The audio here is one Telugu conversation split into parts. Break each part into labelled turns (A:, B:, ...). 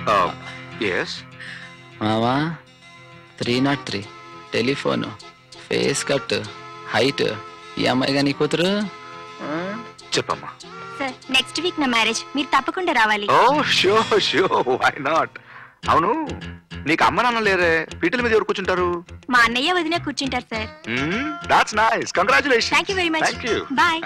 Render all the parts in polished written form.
A: ఎస్
B: మావా 303 టెలిఫోను ఫేస్ కట్ హైట్ ఈ అమ్మాయిగా నీ కూతురు
A: చెప్పమ్మా.
C: సార్ నెక్స్ట్ వీక్ నా మ్యారేజ్, మీరు తప్పకుండా రావాలి.
A: Oh sure why not. అవును, నీకు అమ్మ నాన్న లేరే, పీటల మీద ఎవరు కూర్చుంటారు?
C: మా అన్నయ్య వదిన కూర్చుంటారు sir.
A: That's nice, congratulations.
C: Thank you very much.
A: Thank you.
C: Bye.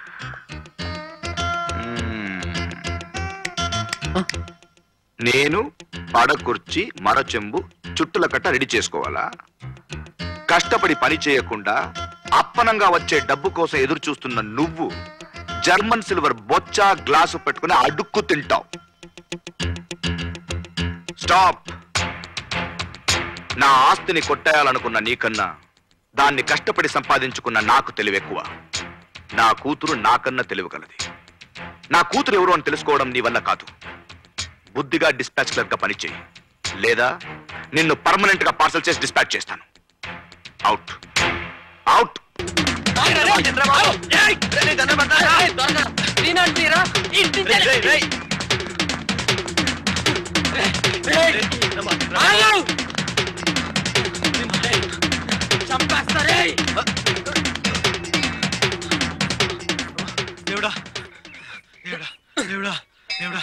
A: నేను పడ కుర్చీ మర చెంబు చుట్టుల కట్ట రెడీ చేసుకోవాలా? కష్టపడి పని చేయకుండా అప్పనంగా వచ్చే డబ్బు కోసం ఎదురు చూస్తున్న నువ్వు జర్మన్ సిల్వర్ బొచ్చా గ్లాసు పెట్టుకుని అడుక్కు తింటావు. స్టాప్. నా ఆస్తిని కొట్టేయాలనుకున్న నీకన్నా దాన్ని కష్టపడి సంపాదించుకున్న నాకు తెలివెక్కువ. నా కూతురు నాకన్నా తెలివిగలది. నా కూతురు ఎవరు అని తెలుసుకోవడం నీ వల్ల కాదు. బుద్ధిగా డిస్పాచ్ క్లర్క్ గా పనిచేయి, లేదా నిన్ను పర్మనెంట్ గా పార్సల్ చేసి డిస్పాచ్ చేస్తాను. Out out.
D: దేవుడా దేవుడా దేవుడా దేవుడా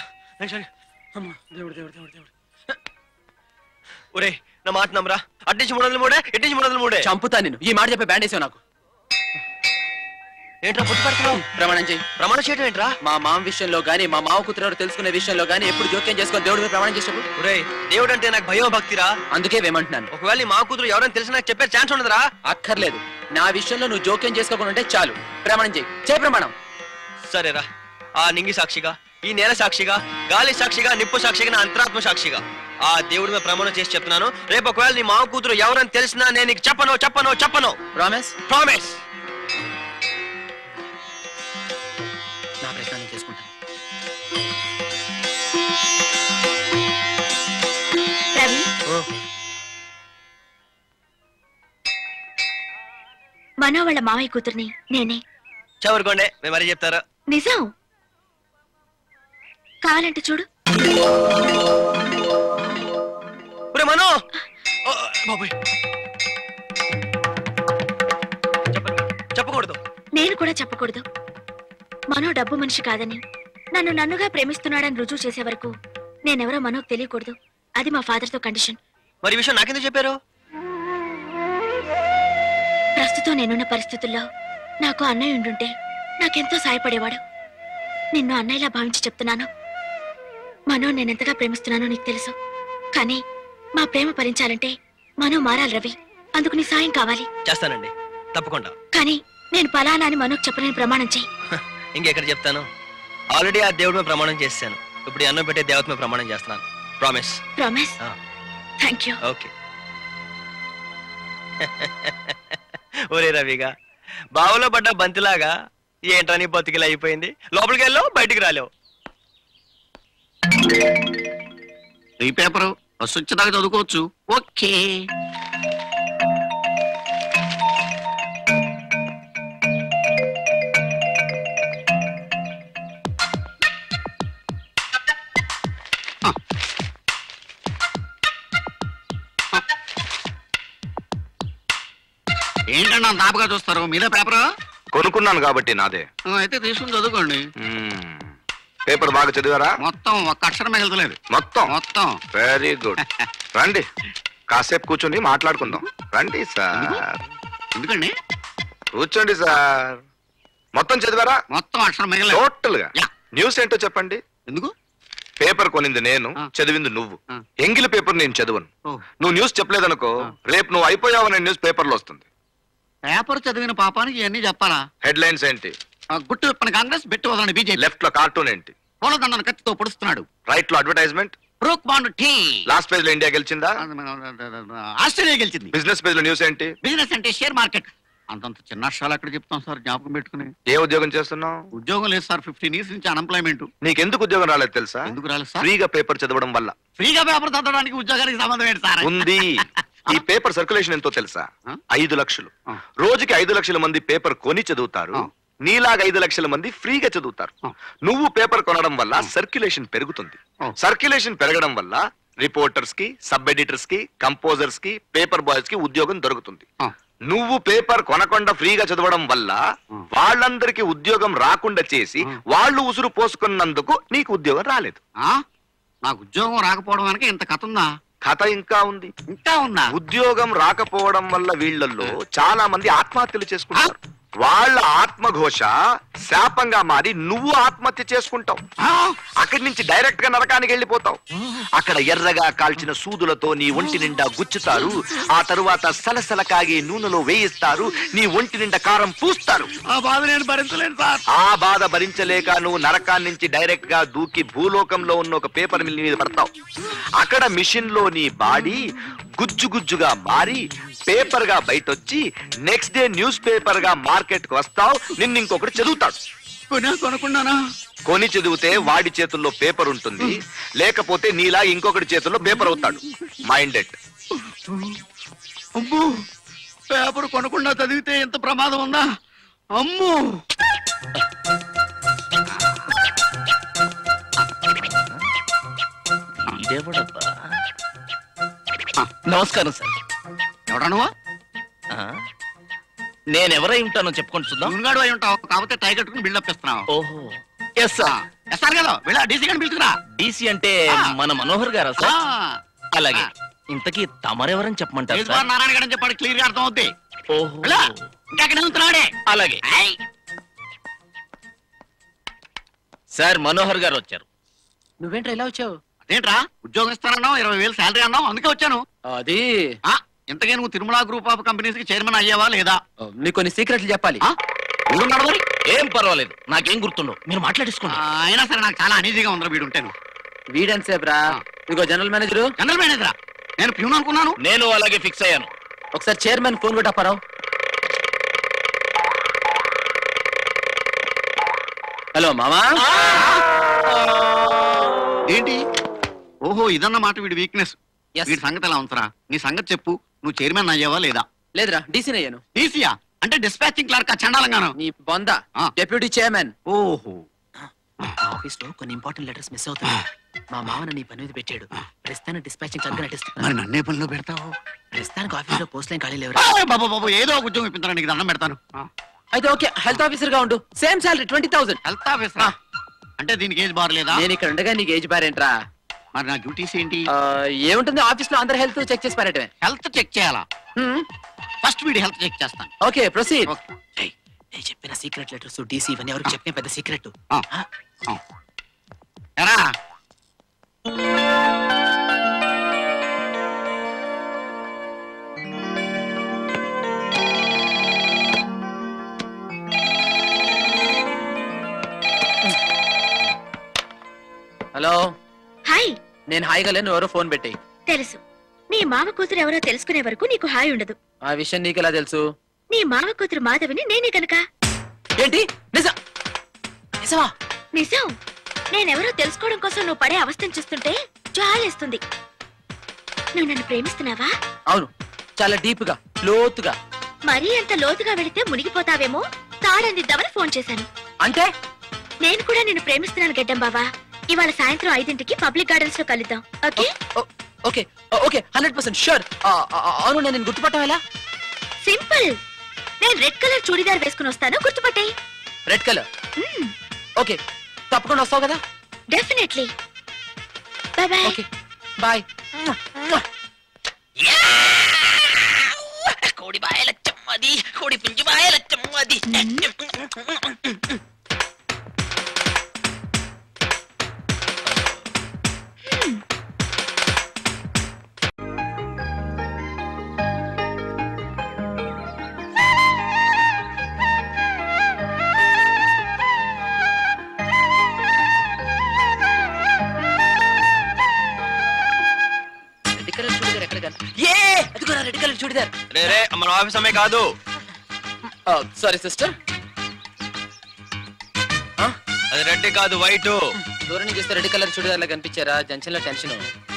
D: ఒరే నా మాట నమ్మరా. అట్టించి 303 ఇట్టించి 303.
B: చంపుతా నిన్ను. ఈ మాట చెప్పి బ్యాండ్ వేసావు నాకు.
D: ఏంట్రా పుట్టి పడుతున్నావు?
B: ప్రమాణం చేయి.
D: ప్రమాణం చేయడం ఏంట్రా?
B: మా మామ విషయంలో గానీ మా మావ కూతురు తెలుసుకునే విషయంలో గానీ ఎప్పుడు జోక్యం చేసుకొని దేవుడి మీద ప్రమాణం చేసావు.
D: ఒరే దేవుడు అంటే నాకు భయం భక్తిరా.
B: అందుకే వేమంటున్నాను.
D: ఒకవేళ నీ మా కూతురు ఎవరైనా తెలిసి నాకు చెప్పే ఛాన్స్ ఉండదురా.
B: అక్కర్లేదు. నా విషయంలో నువ్వు జోక్యం చేసుకోకుండా ఉంటే చాలు. ప్రమాణం చేయి. చేయి ప్రమాణం.
D: సరేరా. ఆ నింగి సాక్షిగా, ఈ నేల సాక్షిగా, గాలి సాక్షిగా, నిప్పు సాక్షిగా, నా అంతరాత్మ సాక్షిగా ఆ దేవుడి మీద ప్రమాణం చేసి చెప్తున్నాను. రేపు ఒకవేళ నీ మా కూతురు ఎవరైనా తెలిసినా నేను నీకు చెప్పను చెప్పను చెప్పను.
B: ప్రామిస్?
D: ప్రామిస్.
B: నా ప్రశ్న నేను చేసుకుంటాను.
C: రవి, మనో వాళ్ళ మావయ్య కూతుర్ని నేనే.
D: చవరుకోండి, మేము మరీ చెప్తారు.
C: నిజం. కావాలంటే చూడు.
D: మనో బాబోయ్, చెప్పకూడదు.
C: నేను కూడా చెప్పకూడదు. మనో డబ్బు మనిషి కాదని, నన్ను నన్నుగా ప్రేమిస్తున్నాడని రుజువు చేసే వరకు నేనెవరో మనోకు తెలియకూడదు. అది మా ఫాదర్ తో కండిషన్.
D: మరి ఈ విషయం నాకెందుకు చెప్పారు?
C: ప్రస్తుతం నేనున్న పరిస్థితుల్లో నాకు అన్నయ్య ఉండుంటే నాకెంతో సాయపడేవాడు. నిన్ను అన్నయ్యలా భావించి చెప్తున్నాను. మనో నేనెంతగా ప్రేమిస్తున్నానో నీకు తెలుసు. కానీ మా ప్రేమ భరించాలంటే మనో మారాలి రవి. అందుకు నీ సాయం కావాలి.
D: చేస్తానండి, తప్పకుండా.
C: కానీ నేను పలానా అని మనోకు చెప్పలేని ప్రమాణం చెయ్యి.
D: ఇంకెక్కడ చెప్తాను? ఆల్రెడీ ఆ దేవుడి మీద ప్రమాణం చేశాను. ఇప్పుడు ఈ అన్నం పెట్టే దేవత మీద ప్రమాణం చేస్తున్నాను. Promise.
C: Promise? Thank you.
D: Okay. ఒరే రవిగా, బావులో పడ్డ బంతిలాగా ఏంట్రా నీ బతికిలా అయిపోయింది. లోపలికి వెళ్ళావు, బయటికి రాలేవు.
E: ఈ పేపరు వచ్చేదాకా చదువుకోవచ్చు. ఓకే. ఏంటన్నా దాపగా చూస్తారు? మీదే పేపరు?
A: కొనుక్కున్నాను కాబట్టి నాదే.
E: అయితే తీసుకుని చదువుకోండి.
A: పేపర్ బాగా చదివారా?
E: మొత్తం ఒక్క అక్షరం మిగలలేదు.
A: మొత్తం?
E: మొత్తం.
A: Very good. రండి, కాసేపు కూర్చొని మాట్లాడుకుందాం. రండి సార్.
E: ఎందుకండి?
A: కూర్చోండి సార్. మొత్తం చదివారా?
E: మొత్తం అక్షరం మిగలలేదు.
A: టోటల్ గా. న్యూస్ ఏంటో చెప్పండి.
E: ఎందుకు?
A: పేపర్ కొనింది నేను, చదివింది నువ్వు. ఎంగిలి పేపర్ నేను చదవను. నువ్వు న్యూస్ చెప్పలేదనుకో, రేపు నువ్వు అయిపోయావనే న్యూస్ పేపర్ లో వస్తుంది.
E: పేపర్ చదివిన పాపానికి ఇవన్నీ చెప్పాలా?
A: హెడ్ లైన్స్ ఏంటి?
E: గుట్టు విప్పని కాంగ్రెస్, బెట్టు వదలని బీజేపీ.
A: లెఫ్ట్ లో కార్టూన్ ఏంటి?
E: పూలదండను కత్తితో పొడుస్తున్నాడు.
A: రైట్ లో advertisement.
E: Brooke Bond tea.
A: Last page లో ఇండియా గెలిచిందా?
E: ఆస్ట్రేలియా గెలిచింది.
A: బిజినెస్ పేజ్ లో న్యూస్ ఏంటి?
E: బిజినెస్ అంటే షేర్ మార్కెట్. అంతంత చిన్న అక్షరాలు ఎక్కడ చెప్తాం సార్, జ్ఞాపకం పెట్టుకుని.
A: ఏ ఉద్యోగం చేస్తున్నావు?
E: ఉద్యోగం లేదు సార్, 15 years నుంచి అన్ఎంప్లాయ్మెంట్.
A: నీకెందుకు ఉద్యోగం రాలేదు తెలుసా?
E: ఎందుకు రాలేదు సార్?
A: ఫ్రీగా పేపర్ చదవడం వల్ల.
E: ఫ్రీగా పేపర్ చదవడానికి ఉద్యోగానికి సంబంధం ఏంటి సార్?
A: ఉంది. ఈ పేపర్ సర్క్యులేషన్ ఎంతో తెలుసా? 5 లక్షలు. రోజుకి 5 లక్షల మంది పేపర్ కొని చదువుతారు. నీలాగా 5 లక్షల మంది ఫ్రీగా చదువుతారు.
E: ఆ.
A: నువ్వు పేపర్ కొనడం వల్ల సర్క్యులేషన్ పెరుగుతుంది.
E: ఆ.
A: సర్క్యులేషన్ పెరగడం వల్ల రిపోర్టర్స్ కి, సబ్ ఎడిటర్స్ కి, కంపోజర్స్ కి, పేపర్ బాయ్స్ కి ఉద్యోగం దొరుకుతుంది.
E: ఆ.
A: నువ్వు పేపర్ కొనకుండా ఫ్రీగా చదవడం వల్ల వాళ్ళందరికీ ఉద్యోగం రాకుండా చేసి వాళ్ళు ఉసురు పోసుకున్నందుకు నీకు ఉద్యోగం రాలేదు.
E: ఆ? నాకు ఉద్యోగం రాకపోవడం వెనక ఇంత కథ ఉందా?
A: కథ ఇంకా ఉంది.
E: ఇంకా ఉందా?
A: ఉద్యోగం రాకపోవడం వల్ల వీళ్ళల్లో చాలా మంది ఆత్మహత్యలు చేసుకుంటారు. వాళ్ళ ఆత్మఘోష శాపంగా మారి నువ్వు ఆత్మహత్య చేసుకుంటావు.
E: ఆ?
A: అక్కడి నుంచి డైరెక్ట్ గా నరకానికి వెళ్ళిపోతావు. అక్కడ ఎర్రగా కాల్చిన సూదులతో నీ ఒంటి నిండా గుచ్చుతారు. ఆ తరువాత సలసల కాగే నూనెలో వేయిస్తారు. నీ ఒంటి నిండా కారం పూస్తారు.
E: ఆ బాధ నేను భరించలేను సార్.
A: ఆ బాధ భరించలేక నువ్వు నరకాన్ని నుంచి డైరెక్ట్ గా దూకి భూలోకంలో ఉన్న ఒక పేపర్ మిల్ మీద పడతావు. అక్కడ మిషన్ లో నీ బాడీ గుజ్జు గుజ్జుగా మారి పేపర్ గా బయటొచ్చి నెక్స్ట్ డే న్యూస్ పేపర్ గా మార్కెట్ కు వస్తావు. నిన్ను ఇంకొకటి చదువుతాడు.
E: కొనుక్కున్నానా?
A: కొని చదివితే వాడి చేతుల్లో పేపర్ ఉంటుంది, లేకపోతే నీలా ఇంకొకటి చేతుల్లో పేపర్ అవుతాడు. మైండెడ్.
E: అమ్మో, పేపర్ కొనకుండా చదివితే ఎంత ప్రమాదం ఉందా? అమ్మో.
F: నమస్కారం సార్.
E: ఎవడా నువ్వు?
F: నేనెవరై ఉంటానో చెప్పుకొని చూద్దాం.
E: మునుగాడు అయి ఉంటావు, కాకపోతే టై కట్టుకుని బిల్డప్ ఇస్తున్నావు.
F: ఓహో, ఎస్ సార్.
E: ఎస్ఆర్ కదా, వెళ్ళా డీసీ గారిని పిలుచుకురా.
F: డీసీ అంటే
E: ఆ.
F: మన మనోహర్ గారా
E: ఆ,
F: సార్? అలాగే. ఇంతకీ తమరెవరని చెప్పమంటారు
E: కేశవ
F: సార్?
E: నారాయణ గారు చెప్పాడు, క్లియర్ గా అర్థం అవుద్ది.
F: ఓహో,
E: వెళ్ళా, ఇంకా అక్కడ ఉంటున్నాడే.
F: అలాగే.
E: ఏయ్,
F: సార్ మనోహర్ గారు వచ్చారు.
B: నువ్వేంట్రా ఇలా వచ్చావు?
E: అదేంట్రా, ఉద్యోగం ఇస్తానన్నావు, 20,000 శాలరీ అన్నావు, అందుకే వచ్చాను.
B: అది
E: ఆ, ఇంతకే నువ్వు తిరుమల గ్రూప్ ఆఫ్ కంపెనీస్ కి చైర్మన్ అయ్యావా లేదా?
B: నీకు కొన్ని సీక్రెట్లు చెప్పాలి.
E: ఆ, ఊరున్నాడు మరి.
F: ఏం పర్వాలేదు, నాకేం గుర్తుండవు, మీరు మాట్లాడేసుకోండి.
E: అయినా సరే నాకు చాలా అనీజీగా ఉందిరా వీడు ఉంటాను.
B: వీడెంతసేపు రా? ఇదిగో జనరల్ మేనేజరు,
E: జనరల్ మేనేజరా? నేను ప్యూన్ అనుకున్నాను.
F: నేను అలాగే ఫిక్స్ అయ్యాను.
B: ఒకసారి చైర్మన్ ఫోన్ కూడా అప్పారావు. హలో మామా.
E: ఏంటి? ఓహో, ఇదన్నమాట వీడి వీక్నెస్.
B: Yes.
E: వీడి సంగతి ఎలా ఉంచరా? నీ సంగతి చెప్పు, నువ్వు చైర్మన్ అయ్యావా లేదా?
B: లేదురా, డీసీని అయ్యాను.
E: టీసీయా? అంటే డిస్పాచింగ్ క్లర్క్ చండాలంగాను.
B: నీ బొంద
E: ఆ.
B: Deputy chairman.
E: ఓహో,
B: ఆఫీస్ లో కొన్ని ఇంపార్టెంట్ లెటర్స్ మిస్ అవుతున్నాయి. మా మామని నీ పని మీద పెట్టాడు. ప్రస్తుతానికి డిస్పాచింగ్ క్లర్క్
E: మరి
B: నటిస్తున్నాను.
E: నన్నే పనిలో పెడతావు?
B: ప్రస్తుతానికి ఆఫీస్ లో పోస్ట్ లైన్ ఖాళీ లేవురా.
E: బాబు బాబు, ఏదో ఒక ఉద్యోగం ఇప్పించరా, నీకు దండం పెడతాను.
B: అయితే ఓకే, హెల్త్ ఆఫీసర్ గా ఉండు. Same salary 20,000.
E: హెల్త్ ఆఫీసరా? అంటే దీనికి ఏజ్ బార్ లేదా?
B: నేను ఇక్కడ ఉండగా నీకు ఏజ్ బారేంట్రా?
E: మరి నా డ్యూటీస్ ఏంటి?
B: ఏముంటుంది, ఆఫీస్ లో అందరు హెల్త్ చెక్ చేసి పారటమే.
E: హెల్త్ చెక్ చేయాలా? ఫస్ట్ వీడి హెల్త్ చెక్ చేస్తాను.
B: Okay, proceed.
E: Okay.
B: నేను చెప్పిన సీక్రెట్ లెటర్స్ డీసీ ఇవన్నీ ఎవరికి చెప్పిన పెద్ద సీక్రెట్.
E: ఆ, ఆ. ఎరా,
B: హలో,
C: హాయ్.
B: నేను హాయిగా లేను, ఎవరో ఫోన్ పెట్టి.
C: తెలుసు, నీ మామ కూతురు ఎవరో తెలుసుకునే వరకు నీకు హాయ్ ఉండదు.
B: ఆ విషయం నీకు ఎలా తెలుసు?
C: నీ మామ కూతురు మాధవిని నేనే కనుక.
B: ఏంటి? నిజమా?
C: నిజం. నేనెవరో తెలుసుకోవడం కోసం నువ్వు పడే అవస్థను చూస్తుంటే జాలేస్తుంది. నువ్వు నన్ను ప్రేమిస్తున్నావా?
B: అవును, చాలా డీప్ గా, లోతుగా.
C: మరీ అంత లోతుగా వెళితే మునిగిపోతావేమో తాడందిద్దామని ఫోన్ చేశాను.
B: అంటే
C: నేను కూడా నిన్ను ప్రేమిస్తున్నాను గడ్డం బావా. ఇవాళ సాయంత్రం 5ంటికి పబ్లిక్ గార్డెన్స్ లో కలుద్దాం, ఓకే?
B: Okay okay, 100% sure. అవును, నేను గుర్తుపట్టం ఎలా?
C: సింపుల్. నేను రెడ్ కలర్ చూడిదార్ వేసుకుని వస్తాను, గుర్తుపట్టాయి.
B: Red colour. ఓకే, తప్పకుండా వస్తావు కదా?
C: Definitely. Bye bye.
B: Okay, bye. కోడి బాయల చెమ్మది, కోడి పుంజు బాయల చెమ్మది. రెడ్ కలర్ చూడిదార్ ఎక్కడ కన్నా? అదిగో రెడ్ కలర్ చూడిదార్.
D: రే రే, మన ఆఫీస్ అమ్మాయి కాదు.
B: Sorry sister.
D: అది రెడ్ కాదు, వైట్.
B: దూరం నుంచి చూస్తే రెడ్ కలర్ చూడిదార్ లా కనిపించారా? జంక్షన్ లో టెన్షన్.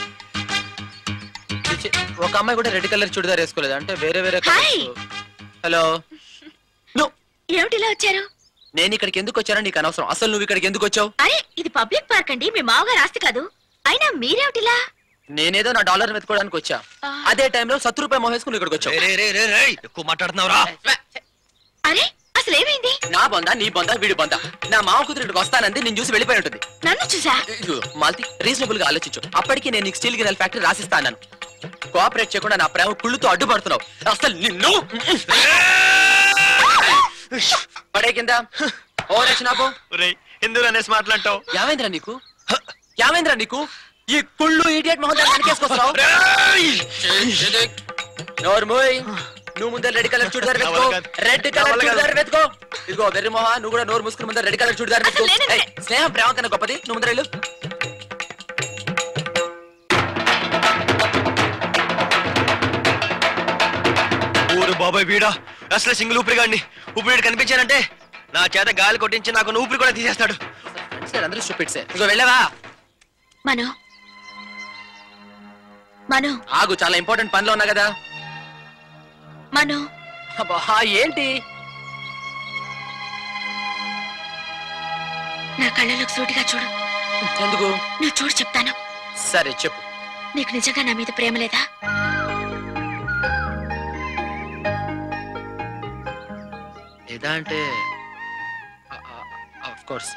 B: ఒక అమ్మాయి కూడా రెడ్ కలర్ చూడిదార్ వేసుకోలేదు, అంటే వేరే వేరే.
C: హాయ్.
B: హలో.
C: ఏమిటిలా వచ్చారు?
B: నేను ఇక్కడికి ఎందుకు వచ్చానో నీకు అనవసరం. అసలు నువ్వు ఇక్కడికి ఎందుకు వచ్చావు?
C: అరే ఇది పబ్లిక్ పార్క్ అండి, మీ మామగారు ఆస్తి కాదు. అయినా మీరేమిటిలా?
B: నేనేదో నా డాలర్ వెతుకోవడానికి వచ్చా. అదే టైంలో ₹100 మోహేసుకుని ఇక్కడికి వచ్చావు.
D: ఎక్కువ మాట్లాడుతున్నావురా?
C: అరే అసలు ఏమైంది?
B: నా బొందా నీ బొందా వీడి బొందా. నా మామ కూతురు ఇక్కడికి వస్తానంది, నేను చూసి వెళ్ళిపోయి ఉంటుంది.
C: నన్ను చూసా?
B: ఇదిగో, మాల్తి రీజనబుల్ గా ఆలోచించు. అప్పటికి నేను నీకు స్టీల్ గిన్నెల ఫ్యాక్టరీ రాసిస్తాను. కోఆపరేట్ చేయకుండా నా ప్రేమ కుళ్ళుతో అడ్డుపడుతున్నావు. అసలు నిన్ను పడే కింద ఓ రచనాపో.
D: ఎందుకు అనేసి మాట్లాడతావు?
B: యావేంద్ర నీకు ఈ కుళ్ళు ఇడియట్ మొహం వెనకేసుకొస్తావు. నోర్మోయ్, నువ్వు ముందర రెడ్ కలర్ చూడదారు వెతుకో. రెడ్ కలర్ చూడదారు వెతుకో. ఇదిగో వెర్రి మొహ, నువ్వు కూడా నోరు మూసుకుని ముందర రెడ్ కలర్ చూడదారు వెతుకో. ఏయ్, స్నేహం ప్రేమ కన్నా గొప్పది. నువ్వు ముందర వెళ్ళు.
D: ఊరు బాబాయ్ వీడా అసలు సింగిల్ ఊపిరిగాడిని. ఊపిరి కనిపించానంటే నా చేత గాలి కొట్టించి నాకు ఊపిరి కూడా తీసేస్తాడు.
B: అందరూ స్టూపిడ్సే. ఇదిగో వెళ్ళవా?
C: మను మను
B: ఆగు, చాలా ఇంపార్టెంట్ పనిలో ఉన్నా కదా.
C: మను
B: అబ్బా, ఏంటి?
C: నా కళ్ళలోకి సూటిగా చూడు.
B: ఎందుకు?
C: నువ్వు చూడు చెప్తాను.
B: సరే చెప్పు.
C: నీకు నిజంగా నా మీద ప్రేమ లేదా?
B: లేదా అంటే ఆఫ్ కోర్స్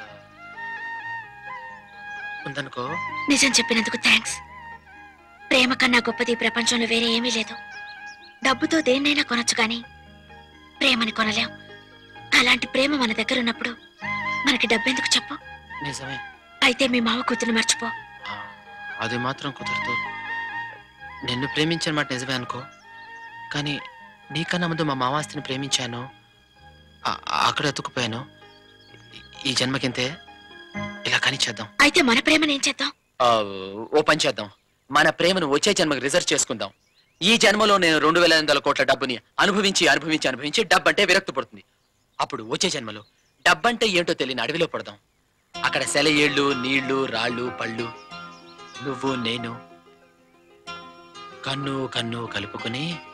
B: ఉందనుకో.
C: నిజం చెప్పినందుకు థ్యాంక్స్. ప్రేమ కన్నా గొప్పది ఈ ప్రపంచంలో వేరే ఏమీ లేదు. డబ్బుతో దేన్నైనా కొనొచ్చు కానీ ప్రేమని కొనలేం. అలాంటి ప్రేమ మన దగ్గర ఉన్నప్పుడు మనకి డబ్బెందుకు చెప్పు?
B: నిజమే.
C: అయితే మీ మావ కూతురు మర్చిపో.
B: అది మాత్రం కుదరదు. నిన్ను ప్రేమించిన మాట నిజమే అనుకో, కానీ నీకన్నా ముందు మా మావాస్తిని ప్రేమించాను. అక్కడ ఎత్తుకుపోయాను. ఈ జన్మకింతే. ఇలా కానీ చేద్దాం.
C: అయితే మన ప్రేమను ఏం చేద్దాం?
B: ఓ పని చేద్దాం. మన ప్రేమను వచ్చే జన్మకి రిజర్వ్ చేసుకుందాం. ఈ జన్మలో నేను 2,800 కోట్ల డబ్బుని అనుభవించి డబ్బంటే విరక్తి పడుతుంది. అప్పుడు వచ్చే జన్మలో డబ్బంటే ఏంటో తెలియని అడవిలో పడదాం. అక్కడ సెలయేళ్ళు, నీళ్లు, రాళ్ళు, పళ్ళు, నువ్వు నేను కన్ను కన్ను కలుపుకుని